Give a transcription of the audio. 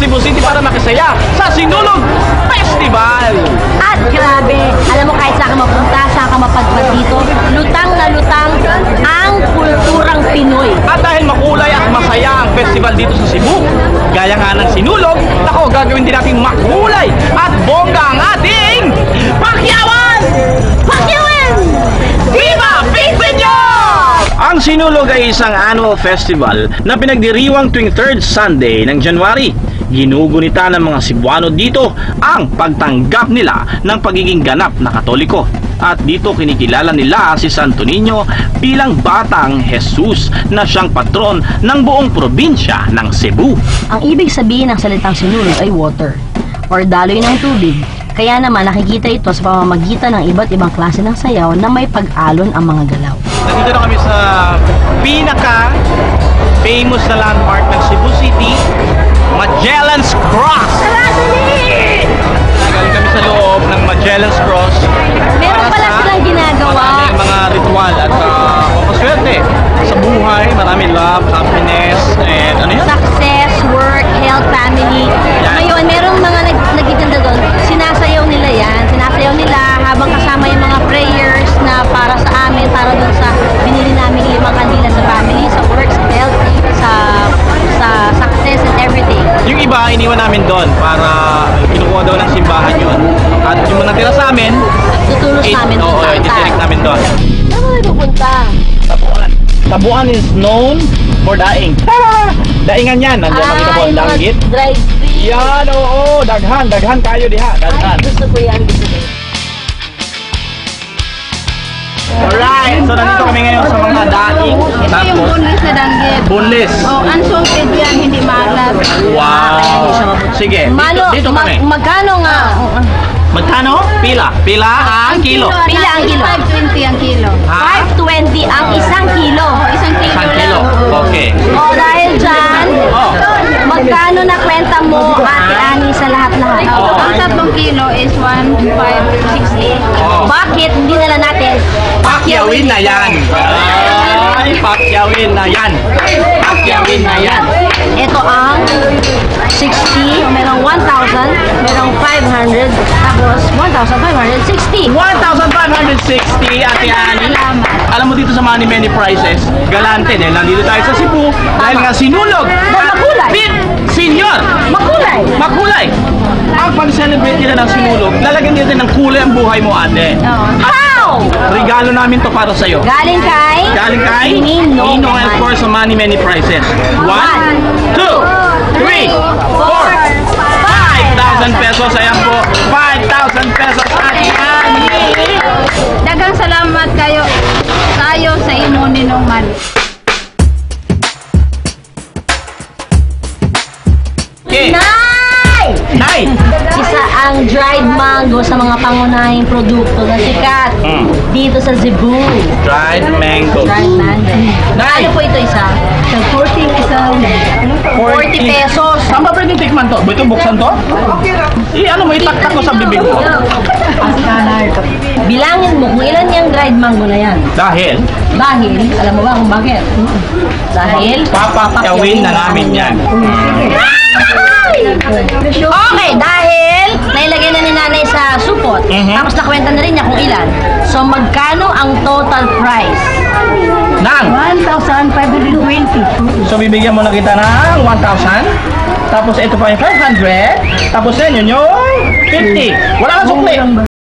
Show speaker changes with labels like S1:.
S1: Cebu City para makisaya sa Sinulog Festival.
S2: At grabe, alam mo kahit saan ka mapunta, saan ka mapadpad dito, lutang na lutang ang kulturang Pinoy.
S1: At dahil makulay at masaya ang festival dito sa Cebu, gaya nga ng Sinulog, ako gagawin din natin makulay at bongga ang ating Pakyawan!
S2: Pakyawan!
S1: Viva Pigpenyon! Ang Sinulog ay isang annual festival na pinagdiriwang tuwing 3rd Sunday ng January. Ginugunita ng mga Cebuano dito ang pagtanggap nila ng pagiging ganap na Katoliko. At dito kinikilala nila si Santo Niño bilang batang Jesus na siyang patron ng buong probinsya ng Cebu.
S2: Ang ibig sabihin ng salitang sinulog ay water or daloy ng tubig. Kaya naman nakikita ito sa pamamagitan ng iba't ibang klase ng sayaw na may pag-alon ang mga galaw.
S1: Nandito na kami sa pinaka-famous na landmark ng Cebu City, Magellan's Cross. Galing kami sa loob ng Magellan's Cross.
S2: Meron pala silang ginagawa.
S1: Maraming mga ritual at mapaswerte sa buhay. Maraming love, happiness, and ano yun?
S2: Success, work, health, family. Ngayon, merong mga nagtitinda doon. Sinasayaw nila yan. Sinasayaw nila habang kasama yung mga prayers na para sa amin, para doon sa binili namin 5 kandila sa family, sa work, sa health, sa success and everything.
S1: Yung iba, iniwan namin doon para kinukuha daw ng simbahan yun. At yung natira sa amin,
S2: Tutulos namin doon sa altar.
S1: ititirek namin doon.
S2: Saan mo na pupunta?
S1: Tabuan. Tabuan is known for daing. Daingan yan. Nandiyan makita po ang danggit.
S2: Drive free.
S1: Yan, oo. Daghan kayo diha. Daghan.
S2: Ay, gusto ko yan. Gusto ko yan.
S1: Alright, so nandito kami ngayon sa mga daing.
S3: Ito yung boneless na danggit.
S1: Boneless.
S3: Oh, unsalted yan, hindi maalat.
S1: Wow. Sige, dito kami.
S2: Magkano nga?
S1: Magkano? Pila ang kilo.
S2: Pila ang kilo?
S3: 520 ang kilo.
S2: 520 ang isang kilo.
S3: Oh, isang kilo.
S1: Isang kilo. Okay.
S2: O dahil dyan, magkano na kwenta mo, Ate Ani, sa lahat-lahat?
S3: Oh, ang 3 kilo is 1,560.
S1: Oh.
S2: Bakit hindi na lang natin
S1: Pakyawin na yan. Ay, pakyawin na yan. Pakyawin na yan.
S2: Ito ang 60, merong 1,000, merong 500, tapos 1,560.
S1: 1,560, Ate Ani. Alam mo dito sa Money Many Prices, galante dahil nandito tayo sa Cebu dahil nga sinulog.
S2: Makulay.
S1: Big Senior.
S2: Makulay.
S1: Makulay. Ang pag-celebrate nila ng sinulog, lalagyan dito ng kulay ang buhay mo, ate.
S2: How?
S1: Regalo namin to para sa'yo.
S2: Galing kay?
S1: Ninong and of course sa Money Many Prices. 1, 2, 3, 4, 5,000 pesos. Ayan po, 5,000 pesos, Ate Ani.
S3: Dagang salamat kayo sa imo Ninong Man.
S1: Okay.
S2: Nay! Isa ang dried mango sa mga pangunahing produkto na sikat dito sa Cebu.
S1: Dried mango.
S2: Dried mango.
S1: Nay!
S2: Ano po ito isa?
S3: 40 isang
S2: 40 pesos.
S1: Saan ba pwede tikman to? Ito buksan to? Ano mo, itaktak ko sa bibig ko.
S2: Bilangin mo kung ilan yung dried mango na yan.
S1: Dahil,
S2: Alam mo ba kung bakit? Dahil
S1: papakyawin na namin yan.
S2: Okay, dahil nailagay na ni nanay sa supot, tapos nakwenta na rin niya kung ilan. So, magkano ang total price?
S1: Nang!
S3: 1,520.
S1: So, bibigyan mo na kita ng 1,000. Tapos, ito pa yung 500. Tapos, yan yun yung 50. Wala kang sukli.